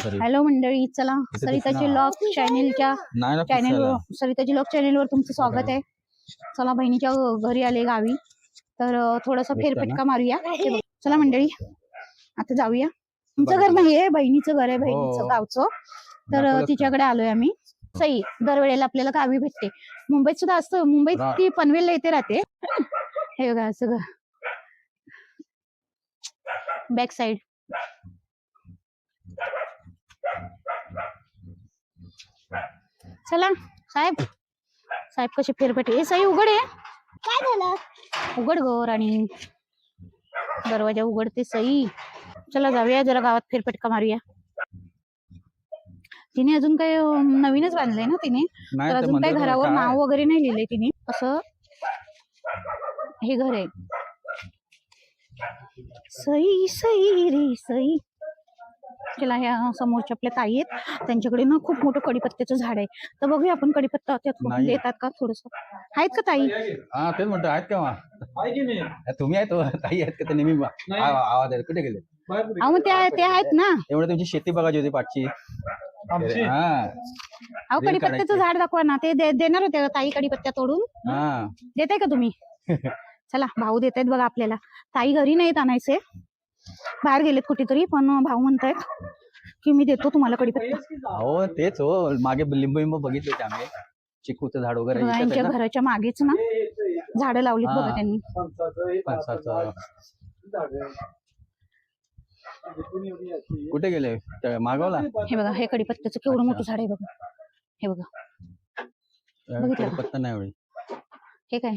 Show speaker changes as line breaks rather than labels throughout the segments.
तरी.
हॅलो मंडळी, चला सरिताची लॉग चॅनेलच्या सरिताची लॉग चॅनेलवर तुमचं स्वागत आहे. चला बहिणीच्या घरी आले गावी, तर थोडासा फेरफटका मारूया. चला मंडळी आता जाऊया. तुमचं घर नाही आहे, बहिणीचं घर आहे, बहिणीचं गावचं. तर तिच्याकडे आलोय आम्ही. सई दरवेळेला आपल्याला गावी भेटते. मुंबईत सुद्धा असतं, मुंबईत ती पनवेलला येते राहते. हे बघा असं बॅक साइड. चला साहेब, साहेब कसे फेरफटे. सई उघड आहे. काय झालं? उघड गो राणी, दरवाजा उघडते सई. चला जाऊया जरा गावात फेरफटका मारूया. तिने अजून काही नवीनच बांधलंय ना तिने, तर अजून काही घरावर नाव वगैरे नाही लिहिलंय तिने. असं हे घर आहे. सई सई रे सई. चला ह्या समोरच्या आपल्या ताई आहेत, त्यांच्याकडे ना खूप मोठं कडीपत्त्याचं झाड आहे. तर बघूया आपण कडीपत्ता त्यात देतात का थोडस. आहेत का ताई?
हा तेच म्हणतो, आहेत का? तुम्ही आहेत ताई आहेत का? ते नेहमी आवाज आहे. कुठे गेले?
अहो मग ते आहेत ना.
एवढं तुमची शेती बघायची होती पाठची.
अहो कडीपत्त्याचं झाड दाखवा ना. ते देणार होते ताई कडीपत्त्या तोडून. देताय का तुम्ही? चला भाऊ देत आहेत बघा आपल्याला. ताई घरी नाहीत, आणायचे बाहेर गेलेत कुठेतरी, पण भाऊ म्हणतायत की मी देतो तुम्हाला कडीपत्ता.
हो तेच हो, मागे लिंबू लिंबू बघितले होते आम्ही. चिकूचं झाड वगैरे
त्यांच्या घराच्या मागेच ना झाडं लावलीत बघा त्यांनी.
कुठे गेले? मागवला.
हे बघा हे कडीपत्त्याचं केवढं मोठं झाड आहे बघा. हे बघा
कडीपत्ता नाही एवढी.
हे काय?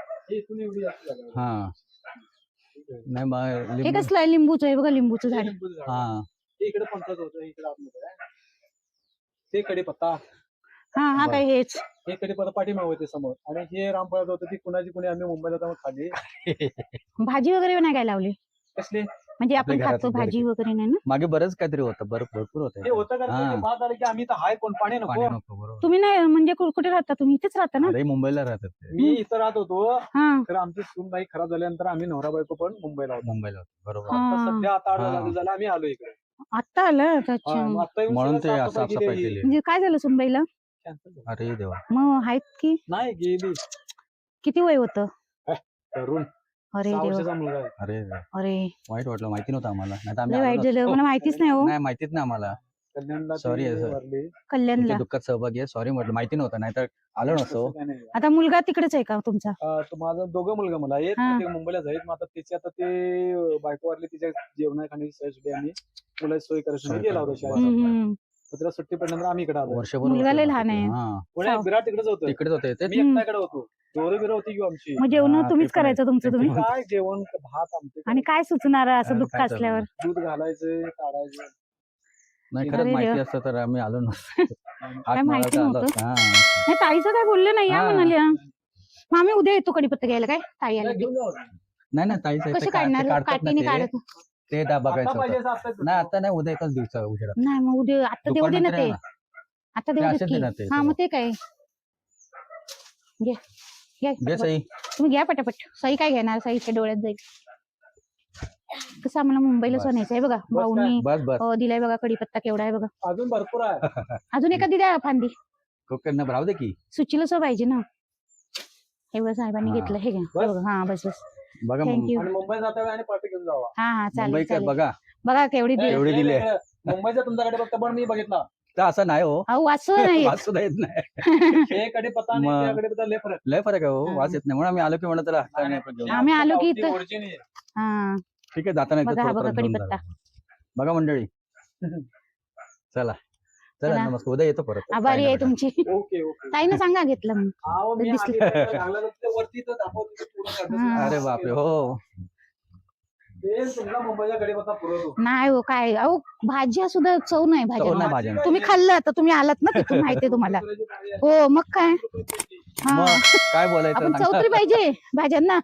हा नाही,
हे कसलं आहे? लिंबूचं आहे बघा, लिंबूचं झाड.
हा
इकडे पंचायत होतं, इकडे आतमध्ये ते कडीपत्ता.
हा काय हेच?
हे कडीपत्ता पाठीमागे होते समोर, आणि हे रामफळाचं होतं. ती कुणी आम्ही मुंबईला जाऊन खाली.
भाजी वगैरे नाही काय लावली?
कसले
म्हणजे आपण खातो भाजी वगैरे नाही ना?
मागे बरंच काहीतरी होतं, भरपूर होतं.
ते होतं का? बाद आलं की आम्ही तर हाय, कोण पाणी नको.
तुम्ही नाही म्हणजे कुठे राहता तुम्ही? इथेच राहता ना?
अरे मुंबईला राहतात.
मी इथं राहत होतो, तर आमची सून बाई खराब झाल्यानंतर आम्ही नवरा बायको पण मुंबईला होतो.
बरोबर.
आता सध्या आता 8 दिवस झाले आम्ही आलो इकडे.
आता आलं? अच्छा.
म्हणून ते साफसफाई केली.
म्हणजे काय झालं सुनबाईला?
अरे देवा.
मग आहेत की
नाही गेली.
किती वय होतं?
तरुण.
अरे देवा.
मुलगा.
अरे
अरे
वाईट वाटलं, माहिती नव्हतं आम्हाला.
वाईट झालं, मला माहितीच नाही हो.
नाही माहितीच नाही आम्हाला. सॉरी,
कल्याणला
दुःखात सहभागी आहे. सॉरी म्हटलं, माहिती नव्हतं, नाहीतर आलो नसतो.
आता मुलगा तिकडेच आहे का तुमचा?
माझा 2 मुलगा मला आहेत, ते मुंबईला जाईल. मग आता त्याची आता ते बायको वारली, तिच्या जेवणा खाण्याची सोय आम्ही मुला सोय करायची गेला होता शाळेत. त्याला सुट्टी पडल्यानंतर आम्ही इकडे आलो.
वर्षभर
मुलगा लय लहान आहे.
विराट तिकडेच होतं.
तिकडेच होते ते.
मी एकट्याकडे होतो. बिरं होती किंवा आमची.
मग जेवण तुम्हीच करायचं तुमचं तुम्ही?
काय जेवण, भात आमचे.
आणि काय सुचणार असं दुःख असल्यावर?
दूध घालायचं, काढायचं.
नाही खरंच माहिती असतं तर आम्ही आलो नसतो.
काय माहिती नव्हतं. नाही ताईचं काय बोललं नाही या म्हणाल्या. मग आम्ही उद्या येतो कडीपत्ता घ्यायला. काय ताई आली?
नाही ताईचं
कसे काढणार? काठीने काढत
ते बघायचं. नाही आता नाही, उद्या एकाच दिवसा उशिरा.
नाही मग उद्या आता देऊ दे ना ते. आता देऊ दे. हा मग ते काय घ्या घ्या
सई.
तुम्ही घ्या पटापट. सई काय घेणार? सईच्या डोळ्यात जाईल. कसं आम्हाला मुंबईला सोनायचं आहे बघा. भाऊनी दिलाय बघा कडीपत्ता. केवढा आहे बघा.
अजून भरपूर आहे.
अजून एखादी द्या फांदी.
राहू दे की
सुचीला सो पाहिजे ना. हे बघा साहेबांनी घेतलं. हे घ्या. हा बस
बघा.
थँक्यू.
मुंबई जाता आणि पार्टी घेऊन जावा.
हा चालेल.
बघा
केवढी
दिले.
मुंबईचा तुमच्याकडे फक्त पण मी बघितला
तर असं नाही हो.
वाचू नाही.
वाचू येत नाही.
कडीपत्ता
लय फरक आहे हो. वाच येत नाही म्हणून आम्ही आलो की म्हणत
आम्ही आलो की
ठीक आहे. जाताना
कडीपत्ता
बघा मंडळी. चला नमस्कार. उद्या येतो परत.
आभारी आहे तुमची. ताईनं सांगा घेतलं म्हणून.
अरे बापरे. हो
नाही हो काय. अहो भाज्या सुद्धा चव नाही भाज्या. तुम्ही खाल्लं तर तुम्ही आलात ना तिथून, माहितीये तुम्हाला. हो मग काय.
काय बोलायचं,
आपण चव तरी पाहिजे भाज्यांना.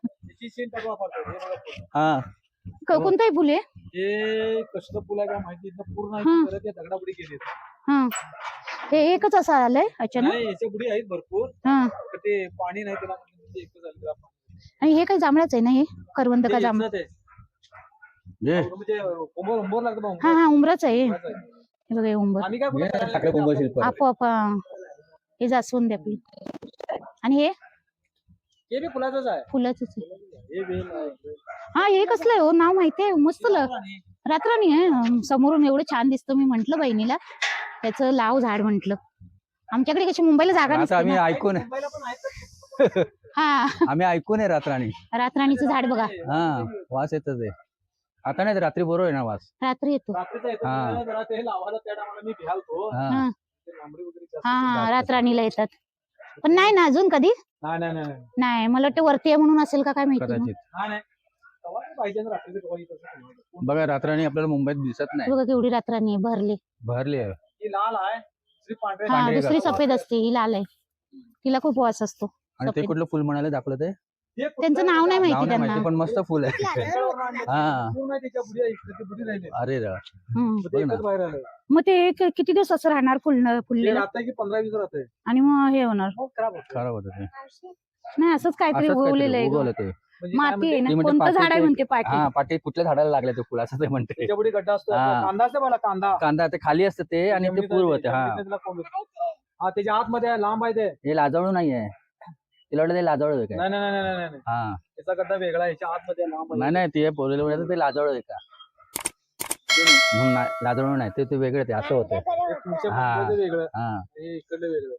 हा
कोणताही फुले
कसलं फुल आहे काय माहिती. पूर्ण दगडापुढे गेले.
हे एकच असं आलंय अचानक.
याच्या पुढे आहेत भरपूर. ते पाणी नाही त्याला.
आणि हे काय जांभळाच आहे ना? हे करवंद का जांभळ?
म्हणजे
हा उमराच आहे. हे बघा हे उंबर
आम्ही काय कुठे करायला
टाकलं कुंभ शिल्प
आपोआप हे जास्वंदी आपली आणि हे
हे बी फुलाचंच आहे
फुलाच
हे वेल आहे.
हा हे कसलं आहे हो नाव माहितीये मस्त रातराणी आहे समोरून एवढं छान दिसतं मी म्हंटल बहिणीला त्याचं लाव झाड म्हंटल आमच्याकडे कशी मुंबईला जागा
आता
नसते
आम्ही
ना.
ऐकून
मुंबईला पण आहेत.
हा
आम्ही ऐकून आहे रातराणी
रातराणीचं झाड बघा
हा वास येत ते आता नाही रात्री बरोबर आहे ना वास
रात्री येतो
रात्रीचा येतो
हा.
ना, जरा ते लावायला त्या टायमाला मी घ्यालतो
हा
हा
ते लांबडी वगैरे जास्त
हा हा
जास्त.
रातराणीला येतात पण नाही ना अजून कधी
नाही नाही नाही
नाही मला वाटतं वरती आहे म्हणून असेल का काय माहिती मग.
कदाचित
नाही नाही तेव्हा ते पाहिजे ना रात्रीचं तेव्हा येत असं.
बघा रातराणी आपल्याला मुंबईत दिसत नाही
बघा केवढी रातराणी आहे भरली
भरली आहे
ही लाल आहे दुसरी पांढरी
हा
पांढरी
दुसरी
असते.
सफेद असते ही लाल आहे तिला खूप वास असतो
आणि ते
सफेद.
कुठलं फुल म्हणाले दाखवलं ते
हे
त्यांचं नाव नाही
नाव
माहिती
नाही
त्यांना
माहिती पण मस्त फुल आहे हा
पूर्ण आहे त्याच्या बुडी आहे, इकडे ती बुडी राहिली.
अरे रा
हम्म.
मग ते एकच बाहेर आलंय.
मग ते किती दिवस असं राहणार
ते
फुललेलं
राहतंय की 15-20 राहतंय
आणि मग हे होणार
मग खराब होतं.
खराब होतं ते
नाही असंच काहीतरी
असंच
उगवलेलं
काहीतरी
आहे ग.
उगवलं ते
म्हणजे काय
माती आहे ना
ती म्हणते
कोणतं
पाटी
झाड आहे
ते-
म्हणते पाठी
हा पाटी कुठल्या झाडाला लागले ते फुल असं ते म्हणते
त्याच्या बुडी गड्डा असतो
हा.
कांदा असतो मला कांदा
कांदा ते खाली असतं ते आणि ते
जमिनीत
पूर्व
आहे,
होते हा
जमिनीत त्याला कोंब येतो. हा त्याच्या आतमध्ये आहे, लांब आहे ते
हे लाजवळू नाहीये तिला वाटलं ते लाजवळ आहे काय
नाही नाही नाही नाही नाही
हा
त्याचा गड्डा वेगळा आहे याच्या आतमध्ये आहे, लांब आहे.
नाही नाही ते पोरेला म्हणायचं ते लाजवळ आहे का म्हणून नाही लाजवळ नाही ते वेगळे ते असं होतं
ते तुमच्या
हा.
मुंबईचं वेगळं
हा
हे इकडलं वेगळं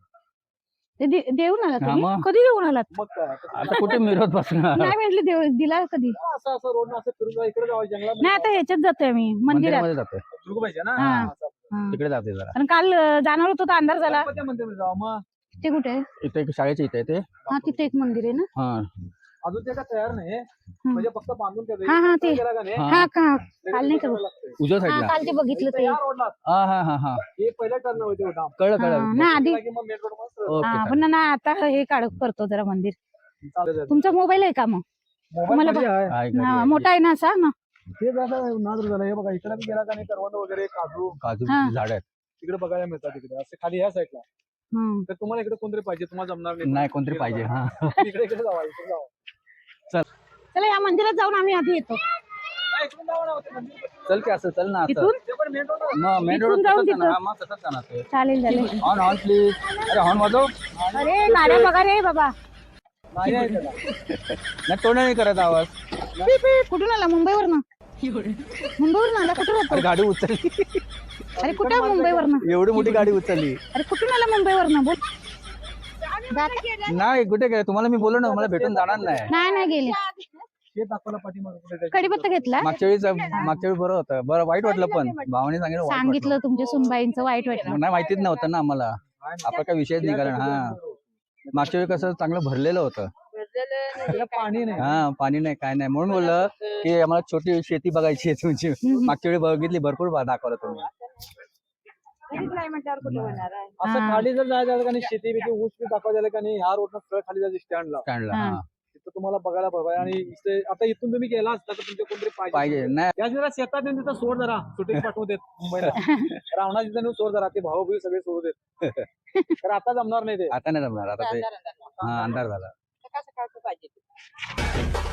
ते देऊन आलात
हा
तुम्ही
मग.
कधी देऊन आलात
मग काय आता
आता कुठे मिरवत बसणार
नाही म्हटलं दिला कधी
असं असं रोड असं फिरून जा, इकडे जावं
नाही
जंगलात
आता ह्याच्यात जातोय मी मंदिरात
मंदिरामध्ये जाते
दुर्ग पाहिजे ना
हा.
असं.
हा.
तिकडे जाते जरा
कारण काल जाणार होतो तर अंधार झाला
गणपती मंदिरामध्ये जावं मग
ते कुठे आहे
इथे एक शाळेच्या इथे आहे ते
हा तिथे एक मंदिर आहे ना
हा
अजून ते काय तयार नाही म्हणजे फक्त बांधून ठेवलंय.
हा, हा, ते.
गेला का नाही,
हा.
हा का
लगेच
काल नाही का
करावं लागतंय.
उजव्या
हा
साईडला
काल ते बघितलं ते
या रोडला
हा हा हा हा
हे पहिल्या टर्न होते होता
कळलं
हा,
कळलं
ना आधी
की मग मेन रोड मस्त
ओके
हा
चालेल.
पण ना आता हे करतो जरा मंदिर
चालत
तुमचा मोबाईल आहे का मग
मोबाईल मध्ये आहे
आहे घरी
हा,
आहे.
मोठा आहे ना असा ना
ते जसं नाद झालं हे बघा इकडे बी गेला का नाही करवंद वगैरे काजू
काजू
हा.
झाड आहेत
तिकडे बघायला मिळतात तिकडे असे खाली ह्या साईडला
हम्म.
तर तुम्हाला इकडे कोणतरी पाहिजे तुम्हाला जमणार
नाही कोणतरी पाहिजे हा
इकडे इकडे जावा इकडे जावा
चला या मंदिरात जाऊन आम्ही आधी येतो
नाही, इकडून जावा ना, ते मंदिर
चल की असं चल ना असं
इथून
ते पण मेन रोड
मग मेन रोड
इथून जाऊन तिथं.
मग तसंच जाणार ते
चालेल चालेल
ऑन ऑन प्लीज अरे हॉर्न वाजव
अरे गाड्या बघा रे बाबा
नाही आहे त्याला.
नाही तोंड नाही करत आवाज
पी, पी. कुठून आला मुंबईवरनं मुंबईवरून आला कुठून
अरे
राहतो
गाडी उचलली
अरे कुठे मुंबईवरनं
एवढी मोठी गाडी उचलली
अरे कुठून आला मुंबईवरनं बोल
नाही कुठे काय तुम्हाला मी बोललो ना मला भेटून जाणार नाही
नाही नाही गेले
ते दाखवलं पाठीमागं कुठे जायचं.
कडीपत्ता घेतला
मागच्या वेळी बरं होतं बरं वाईट वाटलं पण भावाने सांगितलं वाईट
सांगितलं तुमच्या सुनबाईंचं वाईट वाटलं
वाटलं. नाही माहितीच नव्हतं ना आम्हाला आपला काय विषयच निघाला ना हा मागच्या वेळी कसं चांगलं भरलेलं होतं
त्याला पाणी नाही
हा पाणी नाही काय नाही म्हणून बोललं की आम्हाला छोटी शेती बघायची आहे तुमची मागच्या वेळी बघितली भरपूर दाखवलं तुम्ही
असं खाली जर जायचं झालं का नाही शेती बिती ऊस बी दाखवायचं झालं का नाही ह्या रोडनं सरळ खाली जायचं स्टँडला
स्टँडला हा
तिथं तुम्हाला बघायला पाहिजे आणि इथे आता इथून तुम्ही गेला असता तर तुमच्या कोणतरी
पाहिजे नाही
या जरा शेतात येऊन तिथं सोड जरा सुट्टी पाठवू देत मुंबईला रावणाची तिथं नेऊन सोड जरा ते भाऊ भाऊ सगळे सोडू देत तर आता जमणार नाही ते
आता नाही जमणार आता ते हा अंधार झाला
सकाळ सकाळचं पाहिजे